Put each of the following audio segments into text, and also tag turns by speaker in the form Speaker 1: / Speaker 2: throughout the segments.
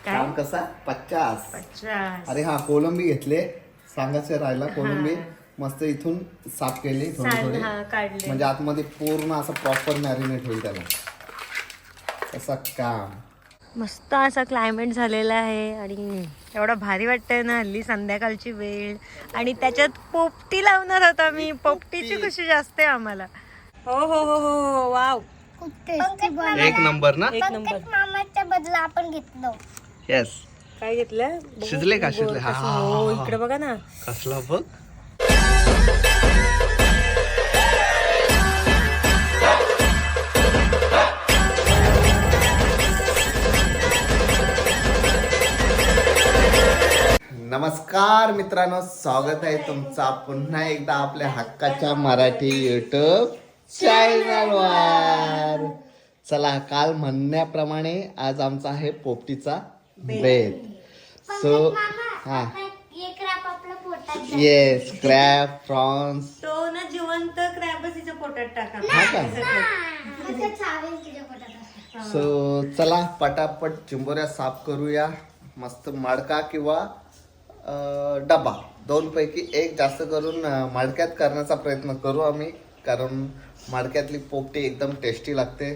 Speaker 1: काम कसा 50.
Speaker 2: 50.
Speaker 1: अरे हा कोलंबी घेतले, सांगायचं राहिला. कोलंबी मस्त इथून साफ केली थोडी थोडी,
Speaker 2: काढले
Speaker 1: म्हणजे आतमध्ये पूर्ण असं प्रॉपर मॅरिनेट होईल त्याला. असं काम
Speaker 2: मस्त असा क्लायमेट झालेला आहे आणि एवढा भारी वाटतंय ना हल्ली संध्याकाळची वेळ. आणि त्याच्यात पोपटी लावणार होता मी. पोपटीची खुशी जास्त आहे आम्हाला. हो हो हो हो वाव,
Speaker 1: एक नंबर ना.
Speaker 2: एक नंबर.
Speaker 3: मामाच्या बदला आपण घेतलं.
Speaker 1: येस.
Speaker 2: काय घेतलं?
Speaker 1: शिजले का? शिजले. हा, हा, हा,
Speaker 2: हो
Speaker 1: हा.
Speaker 2: इकडे बघा ना.
Speaker 1: कसला बघ. नमस्कार मित्रांनो, स्वागत आहे तुमचा पुन्हा एकदा आपल्या हक्काच्या मराठी युट्यूब चॅनलवर. चला, काल म्हणण्याप्रमाणे आज आमचा आहे पोपटीचा बेत. सो हा, येस, क्रॅब, प्रॉन्स.
Speaker 2: तो ना जिवंत क्रॅबच तिच्या पोटात टाका.
Speaker 1: हा का? सो चला पटापट चिंबोऱ्या साफ करूया. मस्त मडका किंवा डबा, दोन पैकी एक जास्त करून मडक्यात करण्याचा प्रयत्न करू आम्ही, कारण मडक्यातली पोपटी एकदम टेस्टी लागते.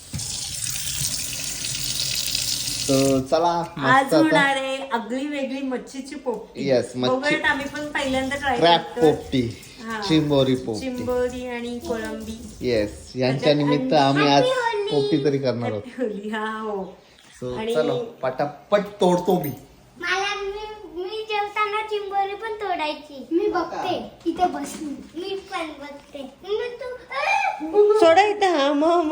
Speaker 1: तर चला,
Speaker 2: आज होणार आहे आगळी वेगळी मच्छीची पोपटी.
Speaker 1: येस, मच्छी.
Speaker 2: बघूयात, आम्ही पण पहिल्यांदा ट्राय
Speaker 1: क्रॅब
Speaker 2: करतोय.
Speaker 1: पोपटी,
Speaker 2: हा.
Speaker 1: चिंबोरी पोपटी.
Speaker 2: चिंबोरी आणि कोळंबी.
Speaker 1: येस, यांच्या निमित्त आम्ही आज पोपटी तरी करणार आहोत.
Speaker 2: ठेवली. हा हो.
Speaker 1: सो
Speaker 2: आणि-
Speaker 1: चलो पटापट तोडतो मी.
Speaker 3: मला मी जेवताना चिंबोरी पण तोडायची. मी बघते इथे बसून. मी पण बघते. मग तू
Speaker 2: सोडा इथं. हा मग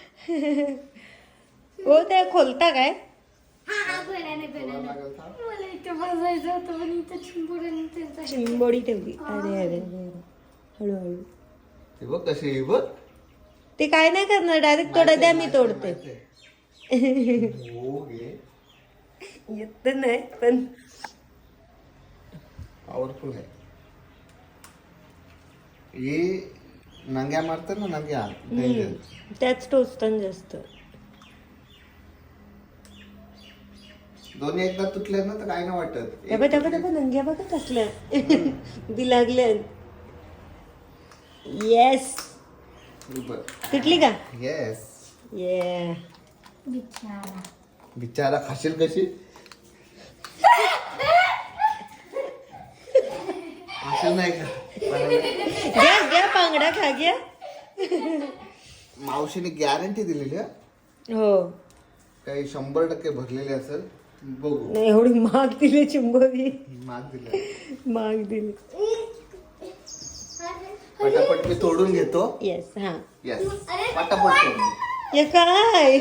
Speaker 2: हो, त्या खोलता काय?
Speaker 3: हा बोलाने मला इथे बसायचं होतं, पण इथे चिंबोरी
Speaker 2: चिंबोडी ठेवली. अरे अरे अरे, हळूहळू.
Speaker 1: हे बघ कशी आहे, बघ.
Speaker 2: ते काय नाही करणार, डायरेक्ट तोडा द्या, मी तोडते.
Speaker 1: हो घे.
Speaker 2: येत नाही पण
Speaker 1: पॉवरफुल आहे हे. नंग्या मारतात ना, नंग्या.
Speaker 2: त्याच टोचतात जास्त.
Speaker 1: दोन्ही एकदा तुटले ना तर काय नाही वाटत.
Speaker 2: डबा डबा डबा नंग्या बघा कसल्या बी लागल्या. येस, तुटली का?
Speaker 1: येस.
Speaker 2: ये
Speaker 1: बिचारा खाशील कशी? खाशील नाही का?
Speaker 2: घ्या घ्या, पांगडा खा घ्या.
Speaker 1: मावशीने गॅरंटी दिलेली आहे,
Speaker 2: हो.
Speaker 1: काही 100% भरलेली असेल. बघू.
Speaker 2: नाही, एवढी महाग दिली चिंबोरी.
Speaker 1: माग दिले.
Speaker 2: महाग दिली.
Speaker 1: पटापट मी तोडून घेतो.
Speaker 2: येस. हा,
Speaker 1: येस, पटापट तोडून.
Speaker 2: हे काय?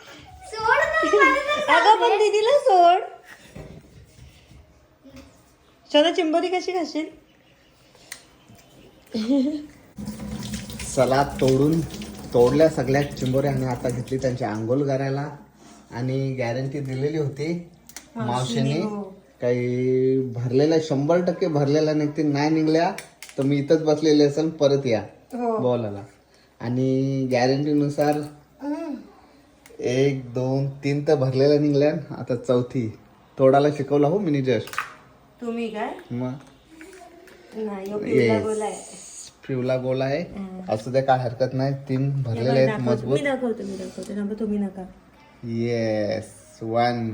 Speaker 2: अगं पण दीदीला सोड. चला, चिंबोरी कशी खाशील?
Speaker 1: चला, तोडल्या सगळ्या चिंबोऱ्या आणि आता घेतली त्यांची आंघोळ करायला. आणि गॅरंटी दिलेली होती मावशीने, काही भरलेला 100% भरलेला निघते. नाही निघल्या तर मी इथंच बसलेले असेल, परत या बोलायला. आणि गॅरंटीनुसार 1 2 3 तर भरलेल्या निघल्या. आता चौथी तोडायला शिकवला हो मी जस्ट.
Speaker 2: तुम्ही काय?
Speaker 1: मग
Speaker 2: नाही, गोला आहे.
Speaker 1: पिवला गोला आहे, असू द्या, काय हरकत नाही. 3 भरलेले आहेत मजबूत.
Speaker 2: मी दाखवते ना, तुम्ही नका.
Speaker 1: येस, 1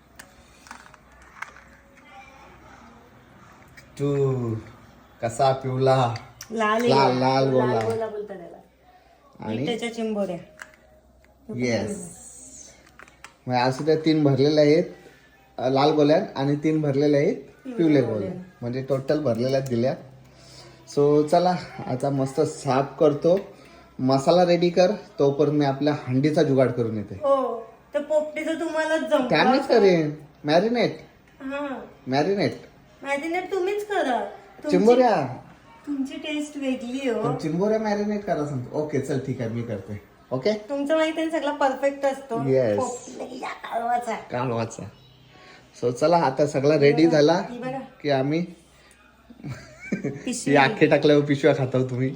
Speaker 1: 2. कसा पिवला
Speaker 2: लाल
Speaker 1: लाल लाल गोला.
Speaker 2: गोला बोलता त्याला.
Speaker 1: आणि
Speaker 2: त्याच्या चिंबोऱ्या.
Speaker 1: येस, मग असू द्या. 3 भरलेले आहेत लाल गोल्यात आणि 3 भरलेले आहेत पिवले गोल्या, म्हणजे टोटल भरलेल्या दिल्या. सो चला, आता मस्त साफ करतो. मसाला रेडी कर, तोपर्यंत मी आपल्या हंडीचा जुगाड करून येते.
Speaker 2: हो, तर पोपटीचं तुम्हाला
Speaker 1: त्यानेच करेन मॅरिनेट.
Speaker 2: मॅरिनेट तुम्हीच करा.
Speaker 1: चिंबोऱ्या,
Speaker 2: तुमची टेस्ट वेगळी हो.
Speaker 1: चिंबोऱ्या मॅरिनेट करा सांगतो. ओके, चल ठीक आहे, मी करते. ओके,
Speaker 2: तुमचं माहिती आहे, सगळं परफेक्ट असतो.
Speaker 1: Yes.
Speaker 2: पोपटीला कालवाचा.
Speaker 1: कालवाचा. सो चला, आता सगळा रेडी झाला
Speaker 2: ही बघा,
Speaker 1: की आम्ही
Speaker 2: पिशवी
Speaker 1: आखे टाकल्यावर पिशव्या खातो तुम्ही.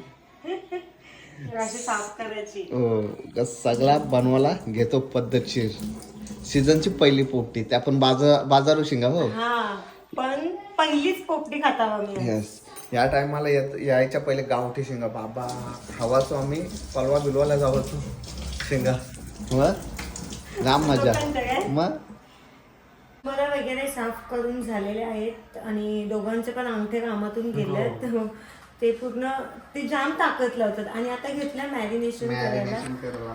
Speaker 2: अशी साफ करायची.
Speaker 1: हो, सगळा बनवायला घेतो पद्धतशीर. सीझनची पहिली पोपटी ते आपण बाजारू शिंगा हो.
Speaker 2: हा पण पहिलीच पोपटी खाता मी.
Speaker 1: येस, या टायमाला यायच्या पहिले गावठी शेंगा बाबा खावाचो आम्ही. पलवा बिलवाला जावाचो शेंगा. मग राम मजा. मग
Speaker 2: बरं वगैरे साफ करून झालेले आहेत आणि दोघांचे पण अंगठे कामातून गेलेत. ते पूर्ण ते जाम ताकद लावतात. आणि आता घेतलं मॅरिनेशन करायला.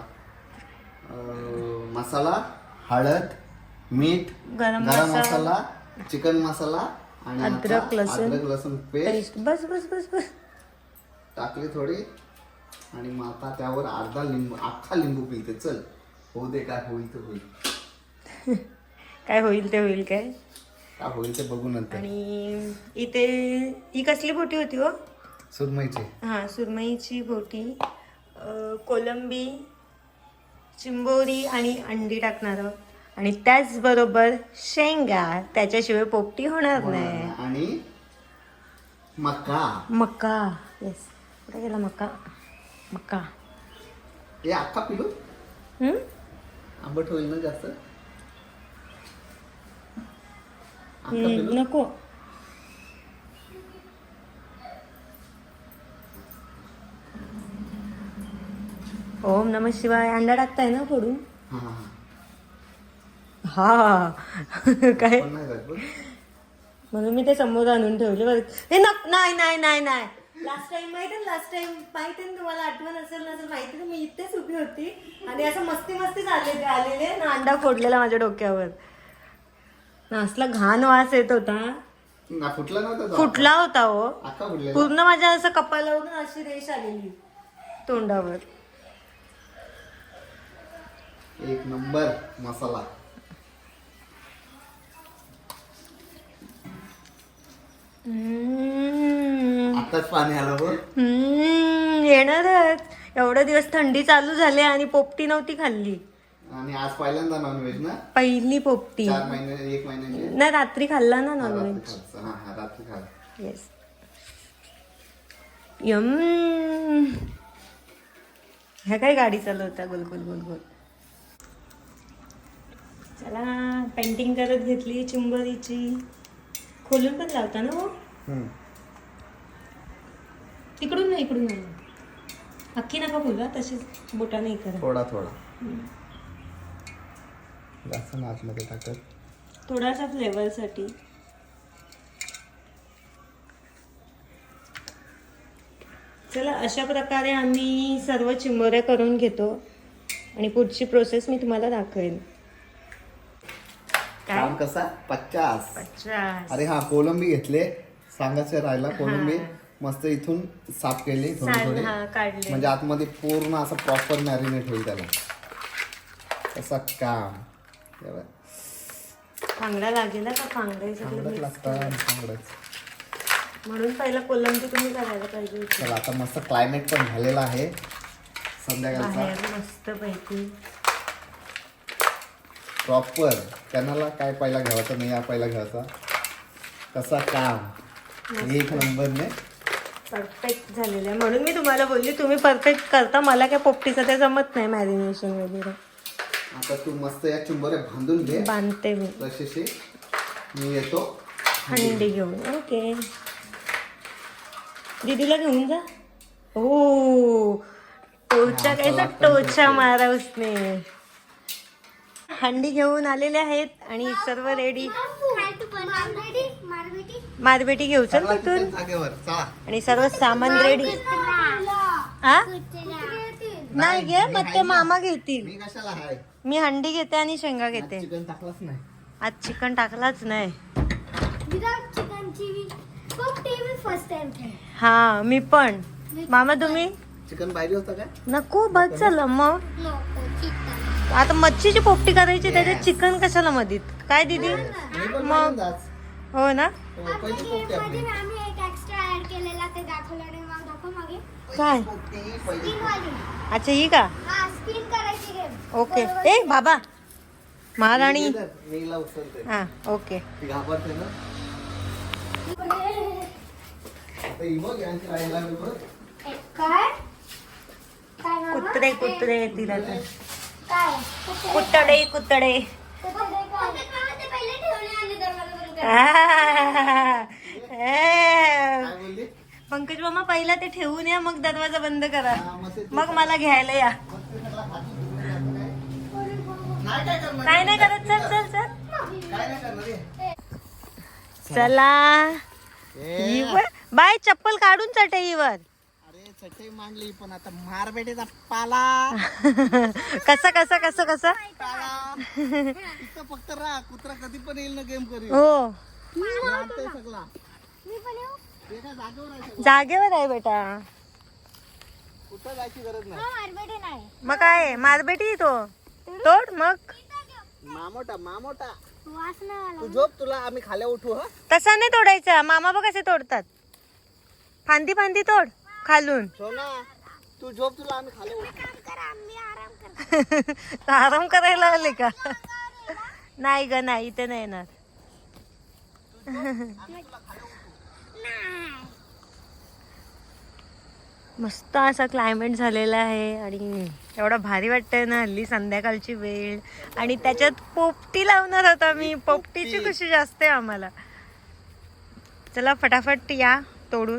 Speaker 1: मसाला, हळद, मीठ,
Speaker 2: गरम
Speaker 1: मसाला, चिकन मसाला आणि
Speaker 2: अद्रक
Speaker 1: लसूण पेस्ट
Speaker 2: बस बस बस बस
Speaker 1: टाकली थोडी. आणि मग आता त्यावर अख्खा लिंबू पिलते. चल होऊ दे, काय होईल ते होईल.
Speaker 2: काय होईल ते होईल. काय
Speaker 1: होईल ते बघू नंतर.
Speaker 2: आणि इथे ही कसली बोटी होती हो?
Speaker 1: सुरमईची.
Speaker 2: हा सुरमईची बोटी, कोलंबी, चिंबोरी आणि अंडी टाकणार आहोत. आणि त्याचबरोबर शेंगा, त्याच्याशिवाय पोपटी होणार नाही.
Speaker 1: आणि
Speaker 2: मका. येस, कुठे गेला मका? मका
Speaker 1: हे अख्खा पिलू. आंबट होईल ना जास्त.
Speaker 2: नको. ओम नमः शिवाय. अंडा टाकताय ना फोडून? हा काय म्हणून मी ते समोर आणून ठेवले बरं. हे नाही नाही नाही नाही. लास्ट टाइम माहिती ना तुम्हाला आठवण असेल नसेल माहिती ना, मी इथेच उभी होती आणि असं मस्ती आलेले ना अंडा फोडलेला माझ्या डोक्यावर. ना असला घाण वास येत होता. फुटला होता हो पूर्ण. माझ्या असं कपालावरून अशी रेष आलेली तोंडावर.
Speaker 1: एक नंबर मसाला. आताच पाणी आलं बघ.
Speaker 2: येणारच. एवढे दिवस थंडी चालू झाली आणि पोपटी नव्हती खाल्ली.
Speaker 1: आणि आज पहिल्यांदा नॉनव्हेज ना.
Speaker 2: पहिली पोपटी.
Speaker 1: 4 महिने 1 महिन्याची
Speaker 2: नाही, रात्री खाल्ला ना नॉनव्हेज.
Speaker 1: रात्री खाल्ला.
Speaker 2: येस. यम. ह्या काय गाडी चालवता गोल गोल गोल गोल. चला पेंटिंग करत घेतली चिंबोरीची. खोलून पण लावता ना हो. तिकडून नाही, इकडून नाही. अख्खी नका खोला, तशीच बोटाने हे करा.
Speaker 1: थोडा जास्त आतमध्ये टाकत.
Speaker 2: थोडासा फ्लेवरसाठी. चला अशा प्रकारे आम्ही सर्व चिंबोऱ्या करून घेतो आणि पुढची प्रोसेस मी तुम्हाला दाखवेन.
Speaker 1: काम कसा 50. अरे हा कोलंबी घेतले. सांगायचं राहिला. कोलंबी मस्त इथून साफ केली थोडी
Speaker 2: काढली
Speaker 1: म्हणजे आतमध्ये पूर्ण असं प्रॉपर मॅरिनेट होईल त्याला. कसं काम
Speaker 2: फांगडा लागेल का?
Speaker 1: फांगडच लागतं.
Speaker 2: म्हणून पहिला कोलंबी तुम्ही करायला पाहिजे.
Speaker 1: चला आता मस्त क्लायमेट पण झालेला आहे संध्याकाळचा.
Speaker 2: मस्त पैकी
Speaker 1: प्रॉपर. त्यांना काय पहिला घ्यायचा नाही, या पहिला घ्यायचा. कसा काम एक नंबरने
Speaker 2: परफेक्ट झालेलं आहे. म्हणून मी तुम्हाला बोलली तुम्ही परफेक्ट करता. मला काय पोपटीचं ते जमत नाही मॅरिनेशन वगैरे.
Speaker 1: आता तू मस्त या चिंबोऱ्या बांधून घे.
Speaker 2: बांधते मी.
Speaker 1: तशी मी येतो
Speaker 2: हंडी घेऊन. ओके दीदीला घेऊन जा. हो टोचा कायचा टोचा मारा उसने. हंडी घेऊन आलेले आहेत आणि सर्व रेडी. मारबेटी घेऊ चल तिथून. आणि सर्व सामान रेडी. हा नाही घे मग ते मामा घेतील. मी हंडी घेते आणि शेंगा घेते. आज चिकन टाकलाच नाही. हा मी पण. मामा तुम्ही
Speaker 1: चिकन पाहिजे होतं का?
Speaker 2: नको बस झालं. मग आता मच्छीची पोपटी करायची त्याच्यात चिकन कशाला मधीत काय दीदी? मग हो ना. काय अच्छा ही का? ओके. ए बाबा महाराणी. हा ओके. कुत्रे येतील आता. कुतडे
Speaker 1: काय बोलली?
Speaker 2: पंकज मामा पहिला ते ठेवून या, मग दरवाजा बंद करा, मग मला घ्यायला या.
Speaker 1: नाही काय करणार,
Speaker 2: काय नाही करत. चल चल चल
Speaker 1: काय नाही करणार रे.
Speaker 2: चला.
Speaker 1: ए,
Speaker 2: बाय चप्पल काढून चटईवर.
Speaker 1: अरे चटई मांडली पण आता मार बेटेचा पाला
Speaker 2: कसं कसं कसं कसं
Speaker 1: पाला इथं फक्त राहा, कुत्रा कधी पण येईल ना गेम करी.
Speaker 2: हो
Speaker 1: सगळा
Speaker 3: मी पण येऊ.
Speaker 1: ते काय जागेवर आहे सगळं.
Speaker 2: जागेवर आहे बेटा.
Speaker 1: कुठं जायची गरज नाही.
Speaker 3: मारबेटे नाही.
Speaker 2: मग काय मारबेटी तो तोड मग.
Speaker 1: मामोटा मामोटा
Speaker 3: वास नाही आला.
Speaker 1: तू झोप, तुला आम्ही खाल्या उठू. हा
Speaker 2: तसा नाही तोडायचा. मामा बघ कसे तोडतात. फांदी फांदी तोड खालून.
Speaker 1: सोना तू झोप, तुला आम्ही खाल्या उठू.
Speaker 3: काम करा, मी आराम करतो.
Speaker 2: आराम करायला आले का? नाही ग नाही, इथे नाही येणार. मस्त असा क्लायमेट झालेला आहे आणि एवढा भारी वाटतंय ना हल्ली संध्याकाळची वेळ. आणि त्याच्यात पोपटी लावणार होता मी. पोपटीची खुशी जास्त आहे आम्हाला. चला फटाफट या तोडून.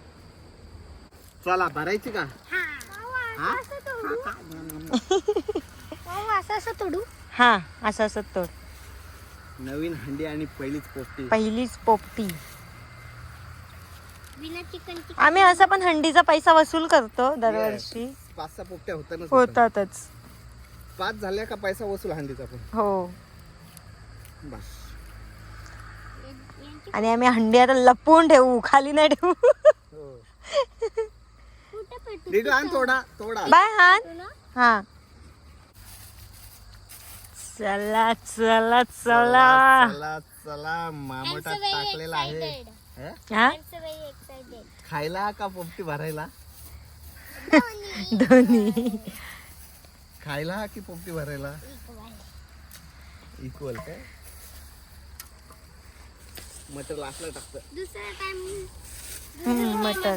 Speaker 1: चला भरायची का? हा?
Speaker 3: असं तोडू.
Speaker 2: हा असं असं तोड.
Speaker 1: नवीन हंडी आणि पहिलीच पोपटी.
Speaker 2: पहिलीच पोपटी.
Speaker 3: बिना चिकन.
Speaker 2: आम्ही असा पण हंडीचा पैसा वसूल करतो दरवर्षी.
Speaker 1: 5-6 पोपट्या होतातच.
Speaker 2: होतातच.
Speaker 1: 5 झाल्या का पैसा वसूल हंडीचा पण.
Speaker 2: हो.
Speaker 1: बस.
Speaker 2: आणि आम्ही हंडी आता लपवून ठेवू, खाली नाही ठेवू.
Speaker 3: कुठे पेटू?
Speaker 1: दीदू आण थोडा थोडा.
Speaker 2: बाय हान. हा चला चला चला.
Speaker 1: चला चला मामोटा टाकलेला आहे. हे?
Speaker 2: हा
Speaker 3: एक्साइटेड.
Speaker 1: खायला का पोपटी भरायला?
Speaker 2: दोन्ही.
Speaker 1: खायला की पोपटी भरायला? इक्वल काय? मटर लास्टला टाकतं.
Speaker 3: दुसरा टाइम
Speaker 2: मटर.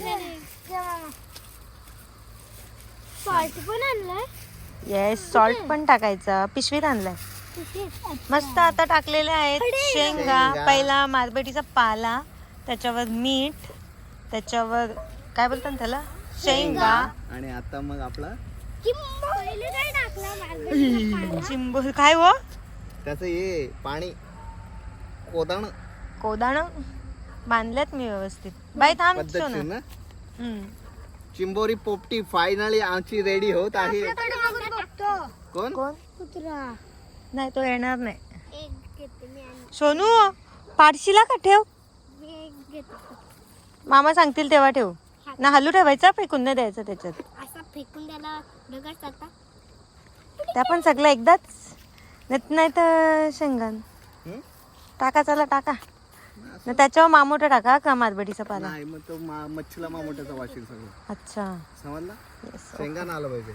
Speaker 3: सॉल्ट पण आणलाय.
Speaker 2: येस सॉल्ट पण टाकायचा. पिशवीत आणलाय. मस्त आता टाकलेले आहेत शेंगा.
Speaker 1: शेंगा.
Speaker 2: पहिला मारबेटीचा पाला, त्याच्यावर मीठ, त्याच्यावर काय बोलतात त्याला, शेंगा,
Speaker 1: आणि आता मग आपला
Speaker 3: पहिले काय टाकला?
Speaker 2: चिंबोर. काय हो
Speaker 1: त्याचं हे पाणी कोदाण
Speaker 2: कोदाण बांधल्यात मी व्यवस्थित. बाई थांब
Speaker 1: पद्धतशीर
Speaker 2: सोना.
Speaker 1: ना.
Speaker 2: हम्म.
Speaker 1: चिंबोरी पोपटी फायनली आमची रेडी होत आहे. कोण?
Speaker 2: कोण?
Speaker 3: कुत्रा.
Speaker 2: नाही तो येणार नाही.
Speaker 3: एक घेते मी आणि
Speaker 2: सोनू पाडशीला का ठेव.
Speaker 3: मी एक घेते.
Speaker 2: मामा सांगतील तेव्हा ठेव ना. हलू ठेवायचा, फेकून नाही द्यायचं त्याच्यात.
Speaker 3: असा फेकून त्याला दगड चालता.
Speaker 2: त्या पण सगळं एकदाच. नाही तर शेंगान
Speaker 1: हम्म?
Speaker 2: टाका. चला टाका ना. त्याच्यावर मामोटा टाका का मारबडीचा पाला.
Speaker 1: नाही मग तो मच्छीला मामोट्याचा वाशील सगळं.
Speaker 2: अच्छा.
Speaker 1: समजला?
Speaker 2: Yes,
Speaker 1: शेंगा ना आलं पाहिजे.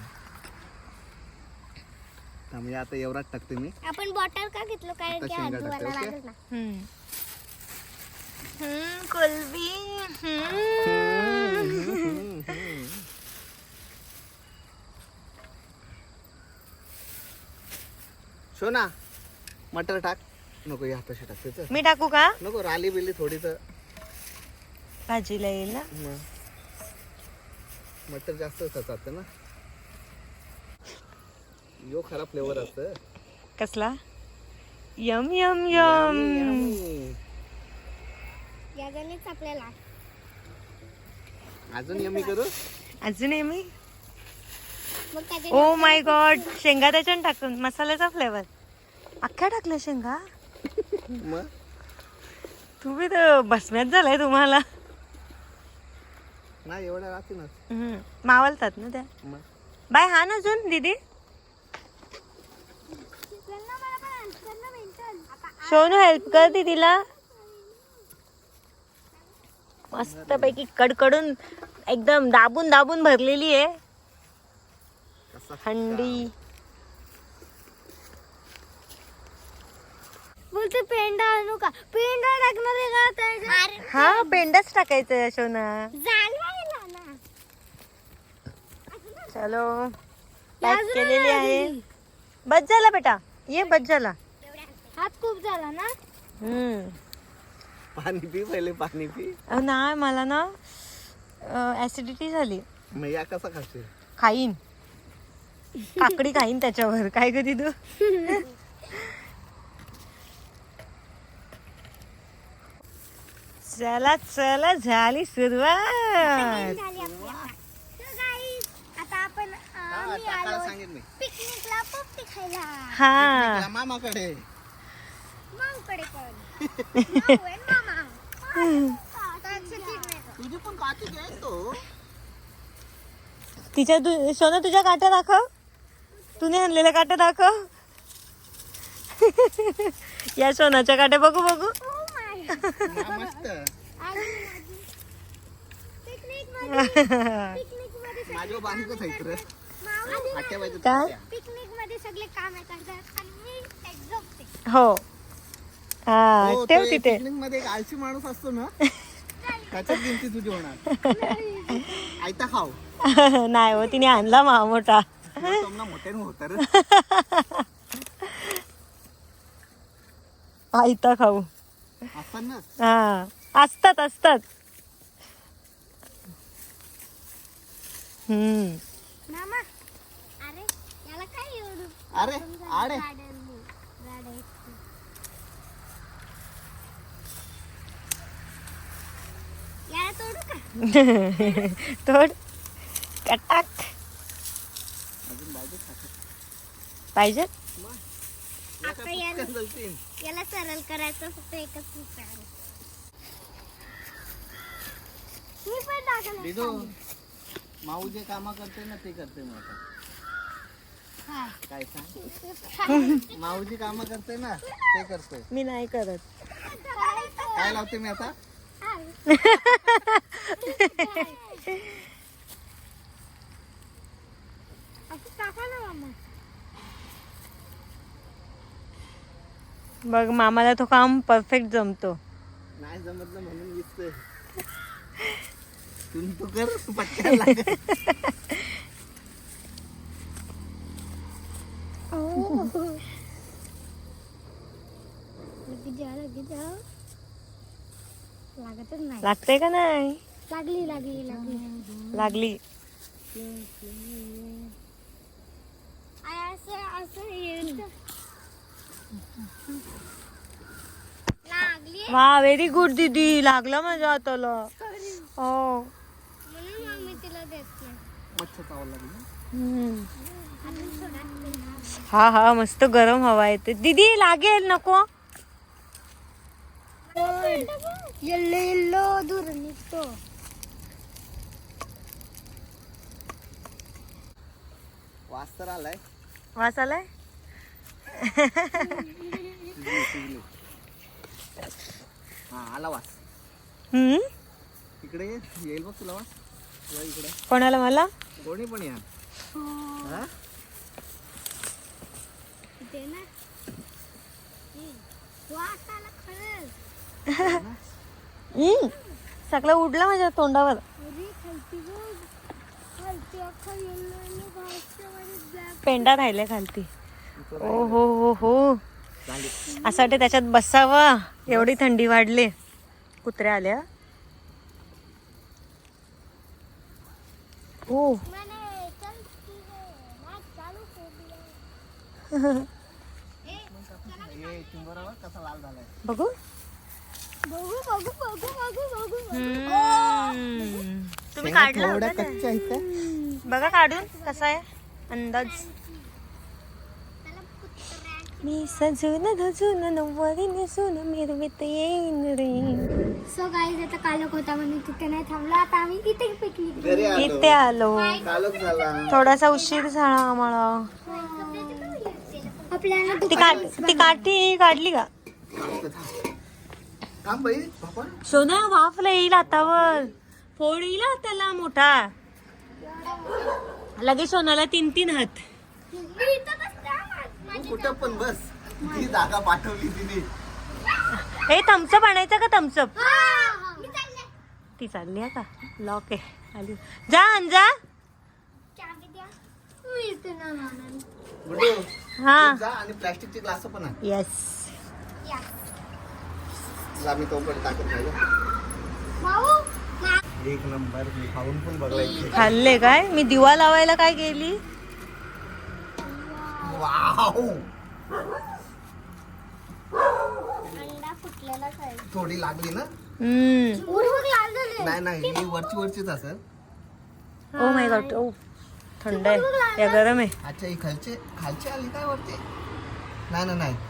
Speaker 1: म्हणजे आता एवढाच टाकते मी.
Speaker 3: आपण बॉटल का घेतलो? कारण
Speaker 1: आता
Speaker 3: की
Speaker 1: शेंगा
Speaker 3: आजूबाला
Speaker 1: टाकते, ओके?
Speaker 3: लागेल ना.
Speaker 2: कोलबी.
Speaker 1: शोना मटर टाक. नको या तशी टाकते.
Speaker 2: मी टाकू का?
Speaker 1: नको राली बिली थोडी तर
Speaker 2: भाजीला येईल ना.
Speaker 1: मटर जास्त जातं ना. यो खरा फ्लेवर असतं.
Speaker 2: कसला? M M M.
Speaker 3: याच्यानेच आपल्याला
Speaker 1: अजून यमी करू.
Speaker 2: अजून आहे मी.
Speaker 3: मग त्याच्या
Speaker 2: ओ माय गॉड. शेंगा त्याच्यात टाकून मसाल्याचा फ्लेवर. अख्ख्या टाकल्या शेंगा.
Speaker 1: मग
Speaker 2: तुम्ही तर बसण्यात झालाय तुम्हाला.
Speaker 1: नाही एवढ्या राहते ना.
Speaker 2: मावलतात ना त्या.
Speaker 1: मग
Speaker 2: बाय हा ना अजून दीदी. सोनू हेल्प कर दीदीला. मस्त पैकी कडकडून एकदम दाबून दाबून भरलेली आहे
Speaker 1: कसा
Speaker 2: हंडी.
Speaker 3: बोलते पेंडा आणू का? पेंडा टाकणार आहे का?
Speaker 2: हा पेंडाच टाकायचं सोना.
Speaker 3: जालवायला ना.
Speaker 2: चलो पॅक केलेली आहे. बस झाला बेटा. ये बस झाला.
Speaker 3: हात खूप झाला ना.
Speaker 1: पाणी पी पहिले, पाणी पी.
Speaker 2: नाही मला ना ऍसिडिटी झाली.
Speaker 1: मग या कसा खाशील?
Speaker 2: खाईन काकडी खाईन त्याच्यावर. काय कधी तू चला चला झाली सुरुवात.
Speaker 3: झाली आपली आता. So guys, आता आपण
Speaker 1: हा,
Speaker 3: मी
Speaker 1: टाकायला
Speaker 3: आलो
Speaker 1: सांगेन मी.
Speaker 3: पिकनिकला पोपटी खायला.
Speaker 2: हा
Speaker 1: या मामाकडे.
Speaker 3: माऊकडे पण. माऊ and मामा. आता चिकन नाही का?
Speaker 1: तुझी पण काठी घे तो.
Speaker 2: तिच्या सोना तुझ्या काट्या दाखव. तूने आणलेल्या काट्या दाखव. या सोनाच्या काट्या बघू बघू.
Speaker 3: Oh my.
Speaker 1: हा, मस्त.
Speaker 3: पिकनिक मध्ये
Speaker 1: माझ्या बांधकच आहेत रे. काट्या पाहिजे
Speaker 2: काय?
Speaker 1: काट्या.
Speaker 3: पिकनिक मध्ये सगळे काम करतात आणि मी एक झोपते.
Speaker 2: हो हा
Speaker 1: हो,
Speaker 2: ठेव
Speaker 1: ते
Speaker 2: तिथे.
Speaker 1: picnic मध्ये एक आळशी माणूस असतो ना, त्याच्यात गिनती तुझी होणार. आयता खाऊ.
Speaker 2: नाही हो तिने आणला मोठा.
Speaker 1: तुम्हाला मोठ्याने होत रे.
Speaker 2: आयता खाऊ.
Speaker 1: असतात ना.
Speaker 2: हा असतात असतात.
Speaker 3: मामा अरे याला काय एवढं
Speaker 1: अरे आडे.
Speaker 3: याला तोडू का?
Speaker 2: तोड कटाक.
Speaker 1: अजून बाजू खाते.
Speaker 2: पाहिजे.
Speaker 3: आता याला सरळ करायचं फक्त एकच उपाय आहे. मी पण टाकलं.
Speaker 1: दिदू, माऊ जे काम करते ना ते करते मग आता. काय सांग? माऊजी काम करते ना ते करते.
Speaker 2: मी नाही करत.
Speaker 1: काय लावते मी आता?
Speaker 3: असं टाका ना मामा.
Speaker 2: बघ मामाला तो काम परफेक्ट जमतो.
Speaker 1: नाही जमतलं म्हणून विचते. तू कर, तू पटकन लाग.
Speaker 3: लागतच नाही.
Speaker 2: लागते का नाही?
Speaker 3: लागली लागली लागली.
Speaker 2: लागली.
Speaker 3: असं असं येतं. लागली
Speaker 2: वा व्हेरी गुड दीदी. लागला माझ्या हाताला. हो
Speaker 3: म्हणून मम्मी तिला देत नाही.
Speaker 1: मच्छर चावायला लागली.
Speaker 3: अजून थोडा.
Speaker 2: हा हा मस्त गरम हवा येते. दीदी लागेल नको.
Speaker 3: येल्लो येल्लो दूर निघतो.
Speaker 1: वास तर आलाय.
Speaker 2: वास आलाय.
Speaker 1: शिजली. हा आला वास. इकडे ये, येईल बघ तुला वास. या इकडे.
Speaker 2: कोणाला? मला?
Speaker 1: कोणी पण या. हा?
Speaker 3: इथे ना वास आला खरंच.
Speaker 2: सगळं उडला माझ्या तोंडावर.
Speaker 3: अरे खालती बघ. खालती अख्खा येल्लो येल्लो घासच्या मध्ये ब्लॅक.
Speaker 2: पेंडा राहिलाय खालती. ओ हो हो हो. असं वाटतं त्याच्यात बसावं. एवढी थंडी वाढली. कुत्र्या आल्या. हो
Speaker 3: मैंने चल मैच चालू कर दिया.
Speaker 1: ये चिंबोरावर कसा लाल झालाय.
Speaker 2: बघू.
Speaker 3: बघू बघू बघू बघू बघू.
Speaker 2: तुम्ही काढला होता
Speaker 1: थोड्या
Speaker 2: ना?
Speaker 1: कच्च्या आहेत त्या.
Speaker 2: बघा काढून कसा आहे अंदाज.
Speaker 3: त्याला कुत्र्या.
Speaker 2: मी सजून धजून नऊवारी नेसून मिरवीत येईन रे.
Speaker 3: सो गाईज आता कालक होता म्हणून तिथे नाही थांबला. आता आम्ही इथे पिकनिक.
Speaker 1: घरी आलो.
Speaker 2: इथे आलो.
Speaker 1: कालच झाला.
Speaker 2: थोडासा उशीर झाला आम्हाला.
Speaker 3: आपल्याला
Speaker 2: ती काठी काढली का?
Speaker 1: थांब बाई बाबा.
Speaker 2: सोना वाफला येईल हातावर. फोड येईल हा त्याला मोठा. लगेच सोनाला 3-3 हात.
Speaker 1: तू कुठं पण बस. ती जागा पाठवली तिने.
Speaker 2: हे थम्सअप आणायचं का? थम्सअप
Speaker 3: मी चालले.
Speaker 2: ती चालली आहे का? लॉक आहे. आली जा आण जा.
Speaker 3: चाबी द्या. मी इथे ना मामा.
Speaker 1: गुड्डू,
Speaker 2: हा
Speaker 1: जा आणि प्लास्टिकचे ग्लास पण आण.
Speaker 2: येस.
Speaker 3: या.
Speaker 1: तुला मी तो पण टाकत नाही गं.
Speaker 3: भाऊ
Speaker 1: एक नंबर. मी खाऊन पण बघलाय.
Speaker 2: खाल्ले काय? मी दिवा लावायला काय गेली?
Speaker 1: वाव,
Speaker 3: अंडा फुटलेला काय
Speaker 1: थोडी लागली ना?
Speaker 3: उडून लाल झाले.
Speaker 1: नाही नाही, ही वरचीच असेल.
Speaker 2: ओ माय गॉड, ओ थंड आहे या गरम आहे.
Speaker 1: अच्छा, ही खालची आली काय वरती? नाही ना, नाही.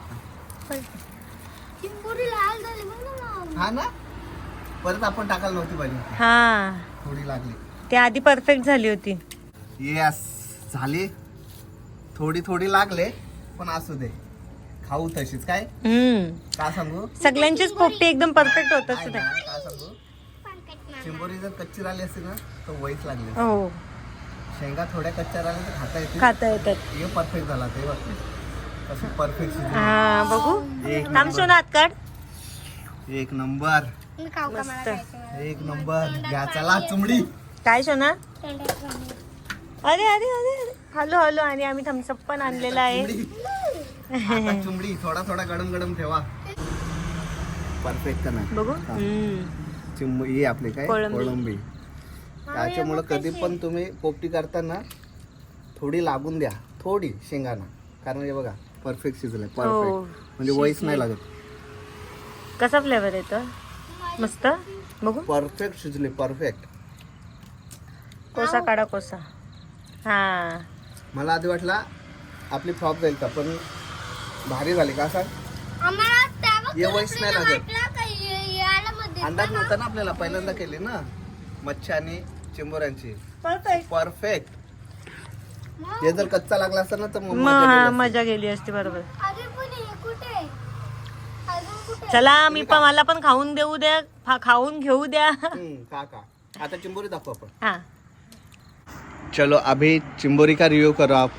Speaker 3: चिंबोरी लाल झाली बघ ना.
Speaker 1: हा ना, परत आपण टाकायला नव्हती पाहिजे.
Speaker 2: हा,
Speaker 1: थोडी लागली.
Speaker 2: ते आधी परफेक्ट झाली होती.
Speaker 1: येस, झाली. थोडी थोडी लागले, पण असू दे, खाऊ तशीच. काय का सांगू,
Speaker 2: सगळ्यांचीच पोपटी एकदम परफेक्ट होतच
Speaker 1: काय
Speaker 2: नाही.
Speaker 1: ना, काय सांगू, चिंबोरी जर कच्ची राहिली असती ना तर वहीच लागली.
Speaker 2: हो,
Speaker 1: शेंगा थोड्या कच्च्या राहिल्या तर खाता येते.
Speaker 2: खाता येतात.
Speaker 1: हे परफेक्ट झाला ते बघ, कसं परफेक्ट.
Speaker 2: हा, बघू.
Speaker 1: एक
Speaker 2: थांब
Speaker 1: नंबर.
Speaker 2: सोना, हात काढ.
Speaker 1: एक नंबर,
Speaker 3: मी खाऊ का? मला
Speaker 2: मस्त.
Speaker 3: खायचं.
Speaker 1: एक नंबर. घ्या चला चुमडी.
Speaker 2: काय सोना?
Speaker 3: तोंडात घालून.
Speaker 2: अरे अरे अरे अरे, हॅलो हॅलो. आणि आम्ही थम्सअप पण आणलेला आहे.
Speaker 1: चुमडी. आता चुमडी थोडा थोडा गडम गडम ठेवा. परफेक्ट ना
Speaker 2: बघू.
Speaker 1: चिंबडी आपले काय
Speaker 2: कोळंबी.
Speaker 1: कोळंबी. त्याच्यामुळं कधी पण तुम्ही पोपटी करताना थोडी लागून द्या, थोडी शेंगाना. कारण हे बघा परफेक्ट शिजलंय. परफेक्ट म्हणजे वहीच नाही लागत.
Speaker 2: कसा फ्लेवर येतो? मस्त. बघू.
Speaker 1: परफेक्ट शिजले, परफेक्ट.
Speaker 2: कोसा काढा, कोसा. हा,
Speaker 1: मला आधी वाटला आपली फ्लॉप जाईल का, पण भारी झाली. का सांग,
Speaker 3: आम्हाला तेव्हा
Speaker 1: ये वहीच नाही लागत.
Speaker 3: वाटलं का याला मध्ये
Speaker 1: अंदाज नव्हता ना आपल्याला, पहिल्यांदा केली ना मच्छी आणि चिंबोऱ्यांची.
Speaker 2: परफेक्ट.
Speaker 1: परफेक्ट. हे जर कच्चा लागला असता ना तर मग मजा गेली असती.
Speaker 2: मजा गेली असती. बरोबर.
Speaker 3: अरे पण हे कुठे आहे? अजून कुठे?
Speaker 2: चला, मला पण खाऊन देऊ द्या, खाऊन घेऊ द्या.
Speaker 1: का आता चिंबोरी दाखवू आपण.
Speaker 2: हा,
Speaker 1: चलो अभी चिंबोरी का रिव्यू करो आप.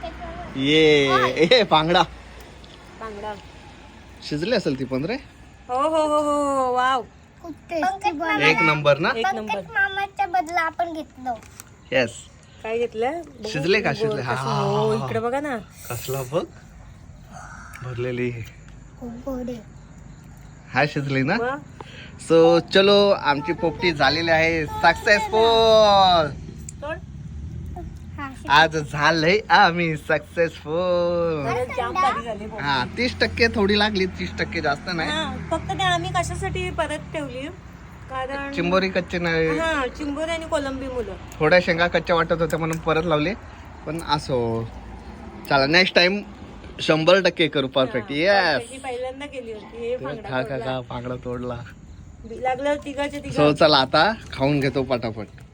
Speaker 1: ये पांगडा
Speaker 2: बांगडा.
Speaker 1: शिजली असेल ती पण रे.
Speaker 2: हो हो हो हो, वाव.
Speaker 3: खूप टेस्टी बनवलं.
Speaker 1: एक नंबर ना.
Speaker 2: एक नंबर.
Speaker 3: पंकज मामाच्या बदला आपण घेतलं.
Speaker 1: येस.
Speaker 2: काय घेतलं? बघू.
Speaker 1: शिजले का? शिजले. हा,
Speaker 2: कसं- हो, इकडे बघा ना.
Speaker 1: कसला बघ भरलेली.
Speaker 3: खूप गोड आहे.
Speaker 1: हा, शिजली ना.
Speaker 2: वा.
Speaker 1: सो चलो, आमची पोपटी झालेली आहे सक्सेसफुल.
Speaker 2: तोड.
Speaker 3: हा,
Speaker 1: आज झालंय आम्ही सक्सेसफुल.
Speaker 2: जाम भारी झाली.
Speaker 1: हा, 30% थोडी लागली, 30% जास्त नाही.
Speaker 2: हा, फक्त ते आम्ही कशासाठी परत ठेवली, कारण
Speaker 1: चिंबोरी कच्चे नाही,
Speaker 2: हा, चिंबोरी आणि कोलंबी मुलं.
Speaker 1: थोड्या शेंगा कच्च्या वाटत होत्या म्हणून परत लावले. पण असो, चला नेक्स्ट टाइम 100% करू परफेक्ट. येस.
Speaker 2: ही पहिल्यांदा केली होती. हे फांगडा
Speaker 1: खा खा
Speaker 2: तोडला.
Speaker 1: खा, पांगडा तोडला.
Speaker 2: लागलं तिघाच्या तिघा.
Speaker 1: सो चला आता खाऊन घेतो पटापट.